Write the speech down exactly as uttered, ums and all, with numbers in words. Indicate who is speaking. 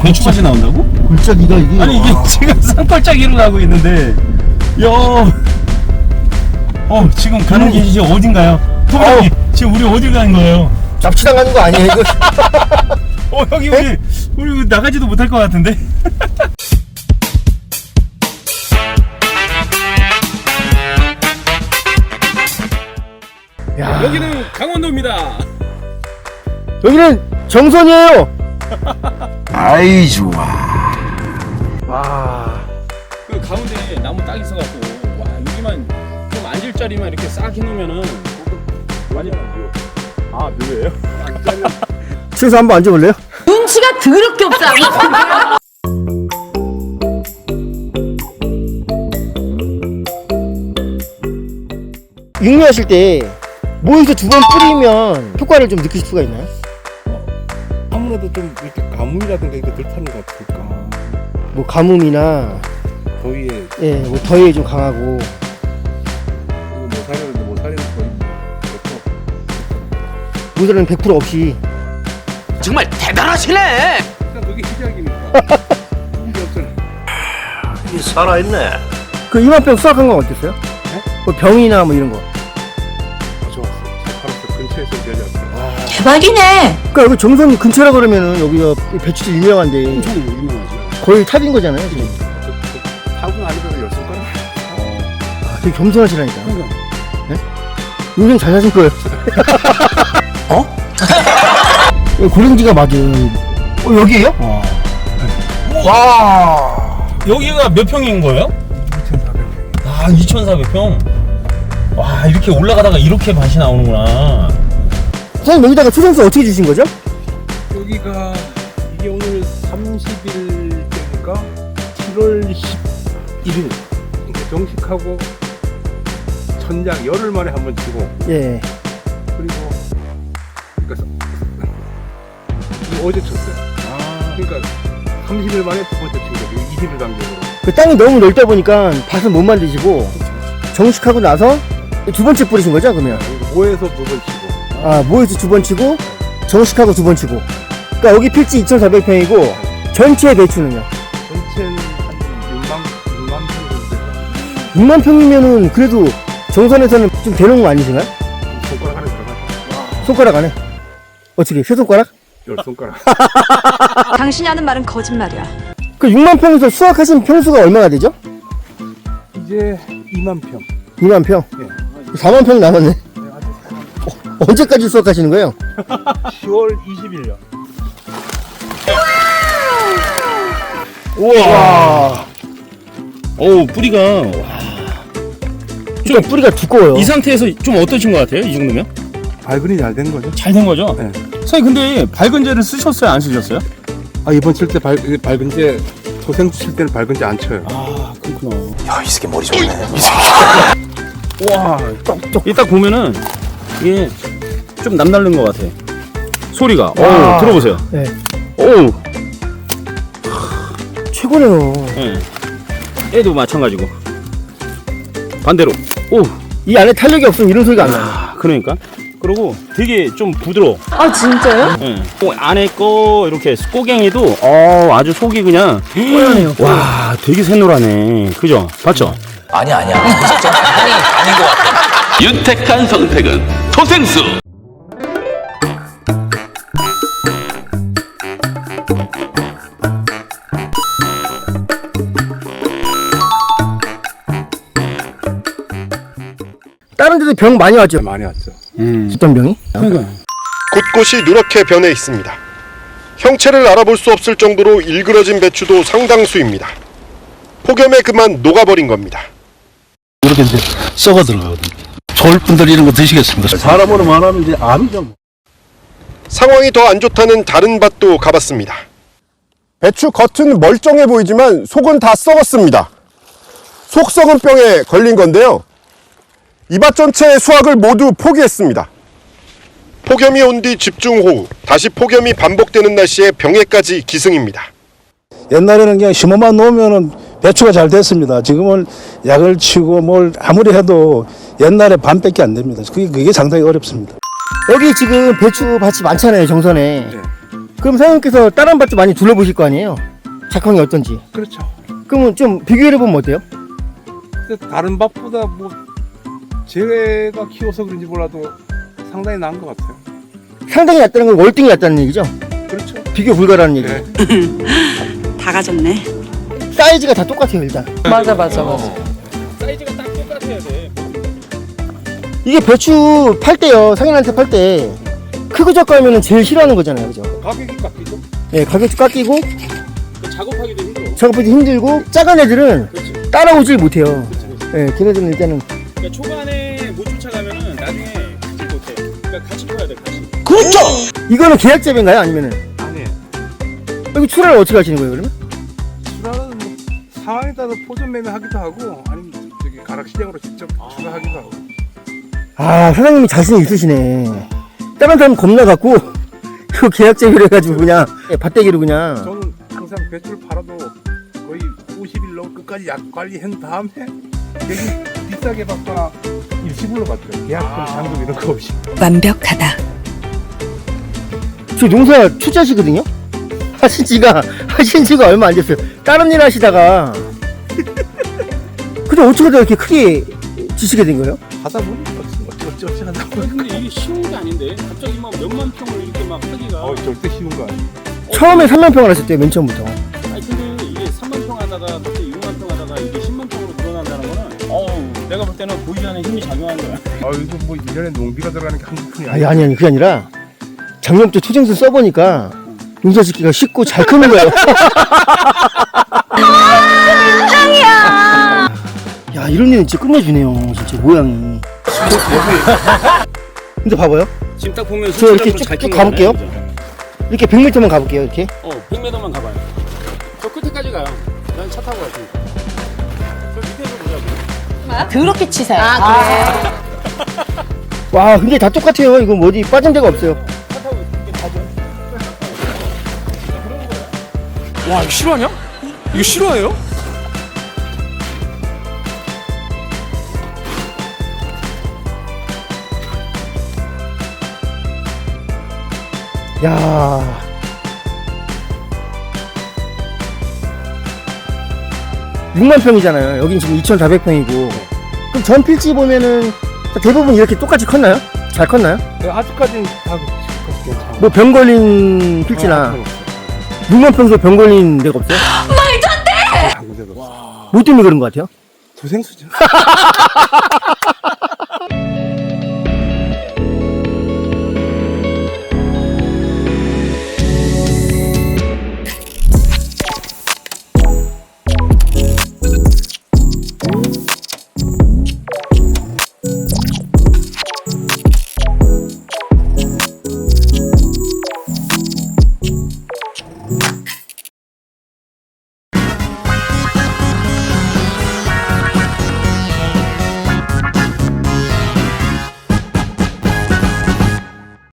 Speaker 1: 배추 맛이 나온다고?
Speaker 2: 골짜기가 이게.
Speaker 1: 아니 이게
Speaker 2: 와.
Speaker 1: 지금 산골짜기로 가고 있는데 야, 어 지금 가는 길이 지금 어딘가요? 토박이 지금 우리 어딜 가는 거예요?
Speaker 2: 납치당하는 거 아니에요 이거?
Speaker 1: 어 여기 우리 우리 나가지도 못할 것 같은데?
Speaker 2: 야,
Speaker 1: 여기는 강원도입니다.
Speaker 2: 여기는 정선이에요.
Speaker 3: 아이 좋아.
Speaker 2: 와.
Speaker 1: 그 가운데 나무 딱 있어갖고 와 여기만 좀 앉을 자리만 이렇게 싹 해놓으면은 많이 묘. 아 묘예요?
Speaker 2: 최소 한번 앉아볼래요?
Speaker 4: 눈치가 더럽게 없어.
Speaker 2: 육류하실 때 모에서 두 번 뿌리면 효과를 좀 느끼실 수가 있나요?
Speaker 5: 아무래도 좀 이렇게 가뭄이라든가 이거 덜 타는 것 같으니까
Speaker 2: 뭐 가뭄이나
Speaker 5: 더위에
Speaker 2: 예, 뭐 더위에 좀 강하고.
Speaker 5: 이거 못 살리는데 못 살리는 거의
Speaker 2: 모자는 백 퍼센트 없이.
Speaker 3: 정말 대단하시네.
Speaker 5: 일단 그게 시작이니까 이게 없잖아.
Speaker 3: 이 살아있네.
Speaker 2: 그 이만병 수확한 건 어땠어요?
Speaker 5: 네?
Speaker 2: 뭐 병이나 뭐 이런 거.
Speaker 5: 좋았어. 팔았어. 근처에서 내려왔어.
Speaker 4: 대박이네.
Speaker 2: 그러니까 여기 정선 근처라 그러면은 여기가 배추도 유명한데
Speaker 1: 엄청 유명하지.
Speaker 2: 거의 탑인 거잖아요 지금.
Speaker 5: 타고 아니면 열 손가락.
Speaker 2: 아, 되게 겸손하시라니까.
Speaker 1: 그러니까.
Speaker 2: 인생 잘 사신 거예요. 어? 고랭지가 맞은. 어, 여기에요?
Speaker 1: 와.
Speaker 2: 와.
Speaker 1: 여기가 몇 평인 거예요?
Speaker 5: 이천사백 평.
Speaker 1: 아 이천사백 평. 와 이렇게 올라가다가 이렇게 맛이 나오는구나.
Speaker 2: 선생님 여기다가 초생수 어떻게 주신 거죠?
Speaker 5: 여기가 이게 오늘 삼십 일째니까 칠월 십일 일 그러니까 정식하고 천장 열흘 만에 한 번 치고
Speaker 2: 예.
Speaker 5: 그리고 그러니까 어제 쳤어요.
Speaker 1: 아.
Speaker 5: 그러니까 삼십 일 만에 두 번째 친 거죠. 이십 일 간격으로.
Speaker 2: 그 땅이 너무 넓다 보니까 밭을 못 만드시고 정식하고 나서 두 번째 뿌리신 거죠 그러면?
Speaker 5: 모에서 두 번 치고.
Speaker 2: 아 모에서 두 번 치고 정식하고 두 번 치고. 그러니까 여기 필지 이천사백 평이고 전체 배추는요?
Speaker 5: 전체는 한 육만, 육만 평 정도 돼요.
Speaker 2: 육만 평이면은 그래도 정선에서는 좀 되는 거 아니신가요?
Speaker 5: 손가락 안에 들어가서
Speaker 2: 손가락 안에? 어떻게 세 손가락?
Speaker 5: 열 손가락.
Speaker 4: 당신이 하는 말은 거짓말이야.
Speaker 2: 그 육만 평에서 수확하신 평수가 얼마나 되죠?
Speaker 5: 이제 이만 평.
Speaker 2: 이만 평?
Speaker 5: 예.
Speaker 2: 사만 평 남았네.
Speaker 5: 네, 아직
Speaker 2: 언제까지 수확하시는 거예요?
Speaker 5: 시월 이십 일요.
Speaker 1: 우와. 오 뿌리가 와.
Speaker 2: 좀 뿌리가 두꺼워요.
Speaker 1: 이 상태에서 좀 어떠신 것 같아요? 이 정도면?
Speaker 5: 발근이 잘 된 거죠?
Speaker 1: 잘 된 거죠?
Speaker 5: 네.
Speaker 1: 선생님 근데 밝은제를 쓰셨어요? 안 쓰셨어요?
Speaker 5: 아 이번 칠 때 발, 발근제 토생수 칠 때는 발근제 안 쳐요.
Speaker 1: 아 그렇구나.
Speaker 3: 야, 이 새끼 머리 좋네.
Speaker 1: 와, 이딱 보면은 이게 좀 남다른 것 같아. 소리가. 오,
Speaker 2: 와.
Speaker 1: 들어보세요.
Speaker 2: 네.
Speaker 1: 오,
Speaker 2: 최고네요.
Speaker 1: 예. 얘도 마찬가지고. 반대로. 오,
Speaker 2: 이 안에 탄력이 없으면 이런 소리가 안 나요.
Speaker 1: 아, 그러니까. 그리고 되게 좀 부드러워.
Speaker 4: 아 진짜요?
Speaker 1: 예. 또 안에 거 이렇게 꼬갱이도 어 아주 속이 그냥.
Speaker 2: 뽀얗네요.
Speaker 1: 와, 되게 새노라네. 그죠? 봤죠?
Speaker 3: 아니 아니야. 진짜 아니 아닌 것 같아.
Speaker 6: 윤택한 선택은 토생수.
Speaker 2: 다른 데도 병 많이 왔죠?
Speaker 5: 많이 왔죠.
Speaker 1: 음.
Speaker 2: 어떤 병이?
Speaker 1: 그러니까.
Speaker 7: 곳곳이 누렇게 변해 있습니다. 형체를 알아볼 수 없을 정도로 일그러진 배추도 상당수입니다. 폭염에 그만 녹아버린 겁니다.
Speaker 8: 이렇게 이제 썩어 들어가거든요. 서울분들 이런 거 드시겠습니까? 사람으로 말하면 이제 암이죠.
Speaker 7: 상황이 더 안 좋다는 다른 밭도 가봤습니다. 배추 겉은 멀쩡해 보이지만 속은 다 썩었습니다. 속 썩은 병에 걸린 건데요. 이 밭 전체의 수확을 모두 포기했습니다. 폭염이 온 뒤 집중호우, 다시 폭염이 반복되는 날씨에 병에까지 기승입니다.
Speaker 8: 옛날에는 그냥 심어만 놓으면은 배추가 잘 됐습니다. 지금은 약을 치고 뭘 아무리 해도 옛날에 반밖에 안 됩니다. 그게, 그게 상당히 어렵습니다.
Speaker 2: 여기 지금 배추 밭이 많잖아요 정선에.
Speaker 5: 네.
Speaker 2: 그럼 사장님께서 다른 밭도 많이 둘러보실 거 아니에요? 작황이 어떤지.
Speaker 5: 그렇죠.
Speaker 2: 그러면 좀 비교해보면 어때요?
Speaker 5: 근데 다른 밭보다 뭐 제가 키워서 그런지 몰라도 상당히 나은 것 같아요.
Speaker 2: 상당히 낫다는 건 월등히 낫다는 얘기죠?
Speaker 5: 그렇죠.
Speaker 2: 비교 불가라는 얘기.
Speaker 5: 네.
Speaker 9: 다 가졌네.
Speaker 2: 사이즈가 다 똑같아요 일단.
Speaker 4: 맞아 맞아 맞아.
Speaker 1: 사이즈가 딱 똑같아야 돼.
Speaker 2: 이게 배추 팔 때요, 상인한테 팔 때 크고 작고 하면 제일 싫어하는 거잖아요, 그죠?
Speaker 5: 가격이 깎이죠?
Speaker 2: 예, 가격도 깎이고
Speaker 1: 그 작업하기도 힘들어.
Speaker 2: 작업하기 힘들고 작은 애들은
Speaker 1: 그렇지.
Speaker 2: 따라오질 못해요.
Speaker 1: 그렇지, 그렇지.
Speaker 2: 예, 걔네들은 일단은
Speaker 1: 그러니까 초반에 못 쫓아가면은 나중에 크질 못해. 그러니까 같이 커야 돼, 같이.
Speaker 3: 그렇죠.
Speaker 2: 이거는 계약재배인가요, 아니면은
Speaker 5: 아니에요.
Speaker 2: 여기 출하를 어떻게 하시는 거예요, 그러면?
Speaker 5: 출하는 뭐 상황에 따라 포전 매매하기도 하고 아니면 저기 가락시장으로 직접 출하하기도 하고.
Speaker 2: 아, 사장님이 자신이 있으시네. 다른 사람 겁나 갖고 이거 계약재배를 해가지고 그냥 예, 밭대기로 그냥.
Speaker 5: 저는 항상 배추를 팔아도 거의 오십 일로 끝까지 약 관리한 다음에 되게 비싸게 받거나 일시불로 받더라고요. 계약금, 잔금 이런 거 없이.
Speaker 9: 완벽하다.
Speaker 2: 저 농사 초짜시거든요? 하신 지가, 하신 지가 얼마 안 됐어요. 다른 일 하시다가. 근데 어떻게 다 이렇게 크게 지시게 된 거예요?
Speaker 5: 하다 보니 어찌 어찌 어찌 하다 보니.
Speaker 1: 근데 이게 쉬운 게 아닌데 갑자기 막 몇만 평을 이렇게 막 하기가.
Speaker 5: 어 절대 쉬운 거 아니에요.
Speaker 2: 처음에 삼만 평을 하셨대요, 맨 처음부터.
Speaker 1: 아니 근데 이게 삼만 평 하다가 갑자기 육만 평 하다가 이게 십만 평으로 늘어난다는 거는 어우 내가 볼 때는 보이지 않는 힘이 작용한 거야.
Speaker 5: 아 이거 뭐 일 년에 농비가 들어가는 게 한두 푼이
Speaker 2: 아니,
Speaker 5: 아니야.
Speaker 2: 아니, 아니, 그게 아니라 작년부터 초정수 써보니까 농사 짓기가 쉽고 잘 크는 거예요. 야, 이런 일은 진짜 끝내주네요, 진짜 모양이. 근데 봐봐요.
Speaker 1: 지금 딱 보면
Speaker 2: 저 이렇게
Speaker 1: 잘
Speaker 2: 쭉쭉
Speaker 1: 큰
Speaker 2: 가볼게요.
Speaker 1: 거잖아요, 그죠?
Speaker 2: 이렇게 백 미터만 가볼게요, 이렇게.
Speaker 1: 어, 백 미터만 가봐요. 저 끝에까지 가요. 난 차 타고 갈 테니까. 저 밑에서 보자고.
Speaker 4: 더럽게 치사해.
Speaker 2: 와, 근데 다 똑같아요. 이거 뭐 어디 빠진 데가 없어요.
Speaker 1: 차 타고 이렇게 가죠.
Speaker 3: 와 이거 실화냐? 이거 실화예요?
Speaker 2: 야. 육만 평이잖아요. 여긴 지금 이천사백 평이고. 그럼 전 필지 보면은 대부분 이렇게 똑같이 컸나요? 잘 컸나요?
Speaker 5: 네, 아직까지는 다 괜찮아요.
Speaker 2: 뭐 병 걸린 필지나 육만 평소 병 걸린 데가 없어요?
Speaker 5: 한 군데도 없어.
Speaker 2: 뭐 때문에 그런 것 같아요?
Speaker 5: 도생수죠.